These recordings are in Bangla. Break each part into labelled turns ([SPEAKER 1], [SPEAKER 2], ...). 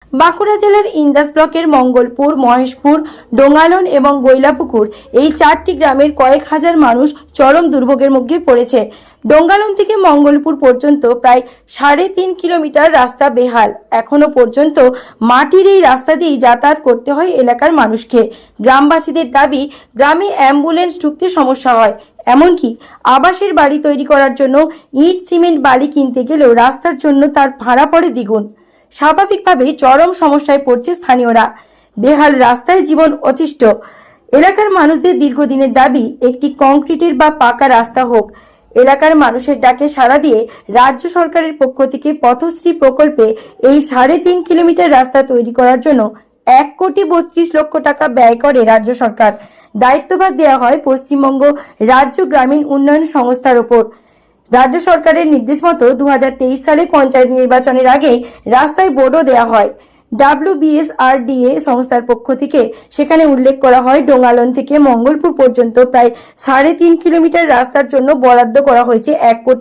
[SPEAKER 1] বাঁকুড়া জেলার ইন্দাস ব্লকের মঙ্গলপুর, মহেশপুর, ডোঙ্গালন এবং গৈলাপুকুর এই 4টি গ্রামের কয়েক হাজার মানুষ চরম দুর্ভোগের মুখে পড়েছে। ডোঙ্গালন থেকে মঙ্গলপুর পর্যন্ত প্রায় 3.5 কিলোমিটার রাস্তা বেহাল। এখনো পর্যন্ত মাটির এই রাস্তা দিয়েই যাতায়াত করতে হয় এলাকার মানুষকে। গ্রামবাসীদের দাবি, গ্রামে অ্যাম্বুলেন্স ঢুকতে সমস্যা হয়। এমনকি আবাসের বাড়ি তৈরি করার জন্য ইট, সিমেন্ট, বালি কিনতে গেলেও রাস্তার জন্য তার ভাড়া পড়ে দ্বিগুণ। স্বাভাবিকভাবেই চরম সমস্যায় পড়ছে স্থানীয়রা। বেহাল রাস্তায় জীবন অতিষ্ঠ। এলাকার মানুষদের দীর্ঘদিনের দাবি, একটি কংক্রিটের বা পাকা রাস্তা হোক। এলাকার মানুষের ডাকে সাড়া দিয়ে রাজ্য সরকারের পক্ষ থেকে পথশ্রী প্রকল্পে এই 3.5 কিলোমিটার রাস্তা তৈরি করার জন্য 1,32,00,000 টাকা ব্যয় করে রাজ্য সরকার। দায়িত্বভার দেওয়া হয় পশ্চিমবঙ্গ রাজ্য গ্রামীণ উন্নয়ন সংস্থার ওপর। রাজ্য সরকারের নির্দেশ মতো 2023 সালে পঞ্চায়েত নির্বাচনের আগে রাস্তায় বোর্ডও দেওয়া হয় WBSRDA সংস্থার পক্ষ থেকে। সেখানে উল্লেখ করা হয়, ডোঙ্গালন থেকে মঙ্গলপুর পর্যন্ত প্রায় 3.5 কিলোমিটার রাস্তার জন্য বরাদ্দ করা হয়েছে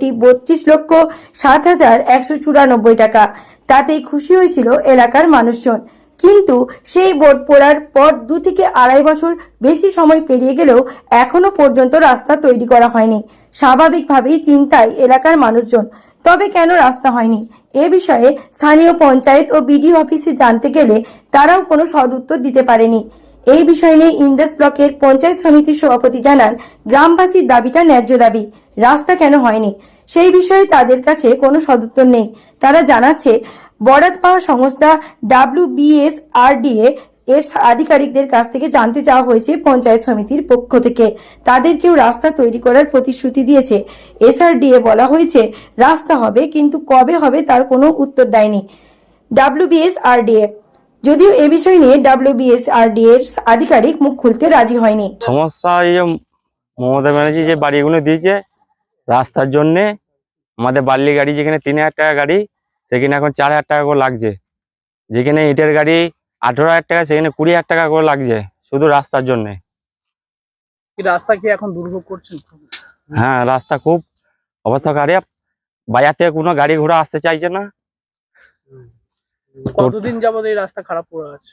[SPEAKER 1] 1,32,07,194 টাকা। তাতেই খুশি হয়েছিল এলাকার মানুষজন। কিন্তু সেই বোর্ড পড়ার পর 2 থেকে 2.5 বছর বেশি সময় পেরিয়ে গেলেও এখনো পর্যন্ত রাস্তা তৈরি করা হয়নি। স্বাভাবিকভাবেই চিন্তায় এলাকার মানুষজন। তবে কেন রাস্তা হয়নি, এ বিষয়ে স্থানীয় পঞ্চায়েত ও বিডিও অফিসে জানতে গেলে তারাও কোনো সদুত্তর দিতে পারেনি। এই বিষয় নিয়ে ইন্দাস ব্লকের পঞ্চায়েত সমিতির সভাপতি জানান, গ্রামবাসীর দাবিটা ন্যায্য দাবি। রাস্তা কেন হয়নি সেই বিষয়ে তাদের কাছে কোনো সদুত্তর নেই। তারা জানাচ্ছে, বরাদ্দ পাওয়া সংস্থা WBSRDA এর আধিকারিকদের কাছ থেকে জানতে চাওয়া হয়েছে পঞ্চায়েত সমিতির পক্ষ থেকে। তাদেরকেও রাস্তা তৈরি করার প্রতিশ্রুতি দিয়েছে। SRDA বলা হয়েছে রাস্তা হবে, কিন্তু কবে হবে তার কোনো উত্তর দেয়নি WBSRDA। যদিও এ বিষয় নিয়ে WBSRDA এর আধিকারিক মুখ খুলতে রাজি হয়নি।
[SPEAKER 2] সমস্যা এই যে মমতা ব্যানার্জি যে বাড়িগুলো দিয়েছে রাস্তার জন্যে, আমাদের বার্লি গাড়ি যেখানে 3,000 টাকা গাড়ি, সেখানে এখন 4,000 টাকা করে লাগছে। যেখানে ইটের গাড়ি 18,000 টাকা, সেখানে 20,000 টাকা করে লাগছে শুধু রাস্তার জন্যে।
[SPEAKER 3] রাস্তা কি এখন দুর্ভোগ করছেন?
[SPEAKER 2] হ্যাঁ, রাস্তা খুব অবস্থা খারাপ। বাজার থেকে কোনো গাড়ি ঘোড়া আসতে চাইছে না।
[SPEAKER 3] কতদিন যাবত এই রাস্তা খারাপ পড়ে আছে?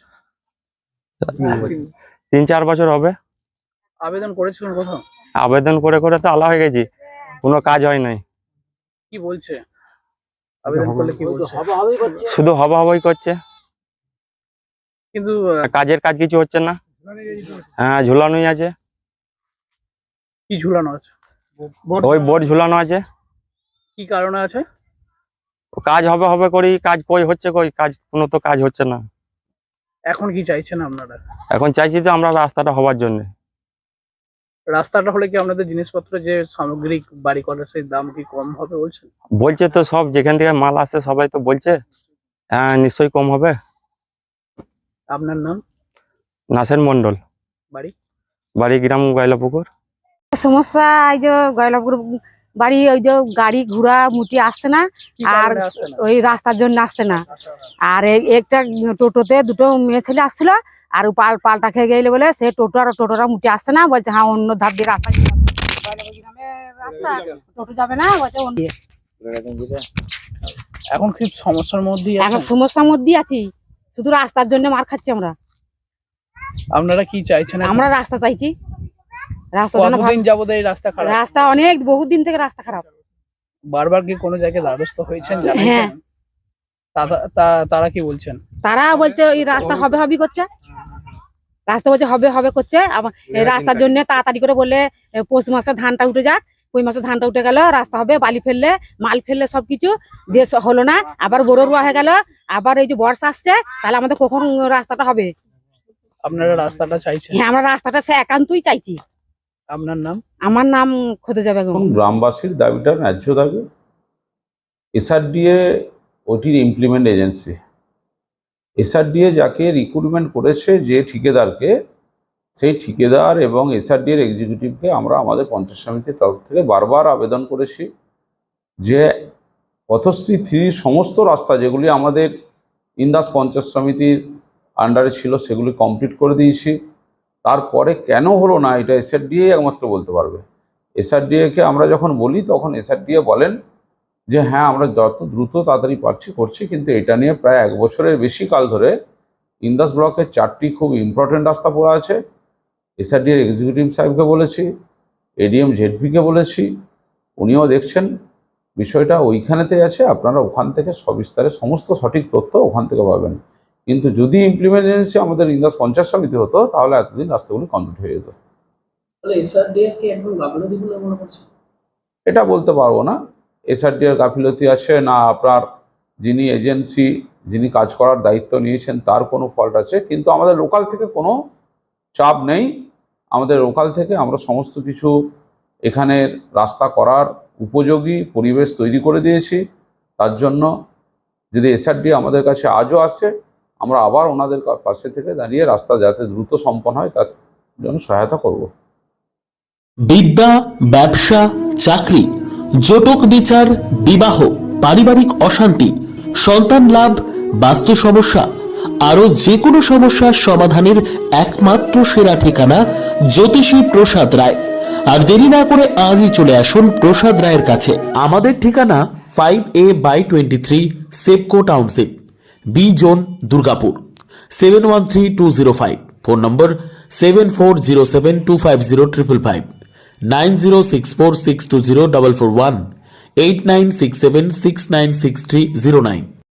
[SPEAKER 2] 3-4 বছর হবে।
[SPEAKER 3] আবেদন করেছিলেন কোথাও?
[SPEAKER 2] আবেদন করে করে তো আলা হয়ে গেছি, কোনো কাজ হয় নাই।
[SPEAKER 3] কি বলছে আবেদন করলে? কি বলছে?
[SPEAKER 2] শুধু হবা হবাই করছে,
[SPEAKER 3] কিন্তু
[SPEAKER 2] কাজের কাজ কিছু হচ্ছে না। হ্যাঁ, ঝুলানোই আছে।
[SPEAKER 3] কি ঝুলানো আছে?
[SPEAKER 2] ওই বোর্ড ঝুলানো আছে।
[SPEAKER 3] কি কারণে আছে?
[SPEAKER 2] কাজ হবে হবে করি, কাজ কই হচ্ছে, কই কাজ কোনো তো কাজ হচ্ছে না।
[SPEAKER 3] এখন কি চাইছেন আপনারা?
[SPEAKER 2] এখন চাইছি তো আমরা রাস্তাটা হওয়ার জন্য।
[SPEAKER 3] রাস্তাটা হলে কি আপনাদের জিনিসপত্র যে সামগ্রিক বাড়ি করার সেই দাম কি কম হবে বলছেন?
[SPEAKER 2] বলছে তো, সব যেখান থেকে মাল আসে সবাই তো বলছে হ্যাঁ নিশ্চয়ই কম হবে।
[SPEAKER 3] আপনার নাম?
[SPEAKER 2] নাসের মন্ডল।
[SPEAKER 3] বাড়ি?
[SPEAKER 2] বাড়ি গ্রাম গৈলাপুকুর।
[SPEAKER 4] সমস্যা এই যে গৈলাপুর বাড়ি, ওই যে গাড়ি ঘোড়া মুটি আসছে না, আর ওই রাস্তার জন্য আসছে না। আর একটা টোটোতে 2টো মেয়ে ছেলে আসছিল, আর পাল্টা খেয়ে গেলে বলে সে টোটোরা মুটি আসছে না, বলছে হ্যাঁ অন্য ধার দিয়ে রাস্তা টোটো যাবে না, বলছে
[SPEAKER 3] এখন খুব সমস্যার মধ্যে
[SPEAKER 4] এখন সমস্যার মধ্যে আছি। শুধু রাস্তার জন্য মার খাচ্ছি আমরা।
[SPEAKER 3] আপনারা কি চাইছেন?
[SPEAKER 4] আমরা রাস্তা চাইছি।
[SPEAKER 3] কতদিন যাবত এই রাস্তা খারাপ?
[SPEAKER 4] রাস্তা অনেক বহুত দিন থেকে রাস্তা খারাপ।
[SPEAKER 3] বারবার কি কোনো জায়গায় দ্বারস্থ হয়েছেন?
[SPEAKER 4] হ্যাঁ।
[SPEAKER 3] তারা কি বলছেন?
[SPEAKER 4] তারা বলছে এই রাস্তা হবে হবে করছে, রাস্তা বলছে হবে হবে করছে। আবার এই রাস্তার জন্য তাড়াতাড়ি করে বলে পৌষ মাসে ধানটা উঠে যাক, ওই মাসে ধানটা উঠে গেল, রাস্তা হবে, বালি ফেললে মাল ফেললে সবকিছু দিয়ে হলো না। আবার বড় রোয়া হয়ে গেল, আবার এই যে বর্ষা আসছে, তাহলে আমাদের কখন রাস্তাটা হবে?
[SPEAKER 3] আপনারা রাস্তাটা চাইছেন?
[SPEAKER 4] হ্যাঁ, আমরা রাস্তাটা সে একান্তই চাইছি।
[SPEAKER 3] আপনার নাম?
[SPEAKER 4] আমার নাম খোদেজা বেগম।
[SPEAKER 5] গ্রামবাসীর দাবিটা ন্যায্য দাবি। SRDA ওটির ইমপ্লিমেন্ট এজেন্সি। SRDA যাকে রিক্রুটমেন্ট করেছে, যে ঠিকাদারকে, সেই ঠিকাদার এবং SRDA এক্সিকিউটিভকে আমরা আমাদের পঞ্চায়েত সমিতির তরফ থেকে বারবার আবেদন করেছি যে পথশ্রী 3 সমস্ত রাস্তা যেগুলি আমাদের ইন্দাস পঞ্চায়েত সমিতির আন্ডারে ছিল সেগুলি কমপ্লিট করে দিয়েছি। তারপরে কেন হলো না এটা SRDA একমাত্র বলতে পারবে। SRDA কে আমরা যখন বলি তখন SRDA বলেন যে হ্যাঁ আমরা যত দ্রুত তাড়াতাড়ি পারছি করছি, কিন্তু এটা নিয়ে প্রায় 1 বছরের বেশি কাল ধরে ইন্দাস ব্লকের 4টি খুব ইম্পর্টেন্ট রাস্তা পড়ে আছে। এসআরডিএর এক্সিকিউটিভ সাহেবকে বলেছি, এডিএম জেডপিকে বলেছি, উনিও দেখছেন বিষয়টা ওইখানেতেই আছে। আপনারা ওখান থেকে সবিস্তারে সমস্ত সঠিক তথ্য ওখান থেকে পাবেন। কিন্তু যদি ইমপ্লিমেন্টেশন আমাদের ইন্দাস পঞ্চায়েত সমিতি হতো তাহলে এতদিন রাস্তাগুলি কমপ্লিট হয়ে যেত।
[SPEAKER 3] তাহলে এসআরডিএ কি এখন গাফিলতি বলে মনে করছে?
[SPEAKER 5] এটা বলতে পারবো না এসআরডিএর গাফিলতি আছে না আপনার যিনি এজেন্সি যিনি কাজ করার দায়িত্ব নিয়েছেন তার কোনো ফল্ট আছে, কিন্তু আমাদের লোকাল থেকে কোনো চাপ নেই। আমাদের লোকাল থেকে আমরা সমস্ত কিছু এখানে রাস্তা করার উপযোগী পরিবেশ তৈরি করে দিয়েছি। তার জন্য যদি এসআরডি আমাদের কাছে আজও আসে, আমরা আবার ওনাদের পাশে থেকে দাঁড়িয়ে রাস্তা যাতে দ্রুত সম্পন্ন হয় তার জন্য সহায়তা করব।
[SPEAKER 6] বিদ্যা, ব্যবসা, চাকরি, জটক বিচার, বিবাহ, পারিবারিক অশান্তি, সন্তান লাভ, বাস্তু সমস্যা, আরো যে কোনো সমস্যার সমাধানের একমাত্র সেরা ঠিকানা জ্যোতিষী প্রসাদ রায়। আর দেরি না করে আজই চলে আসুন প্রসাদ রায়ের কাছে। আমাদের ঠিকানা 5A/23 SEPCO township, B zone, Durgapur, 713205। Phone number 7407250555, 9064620441, 8967696309।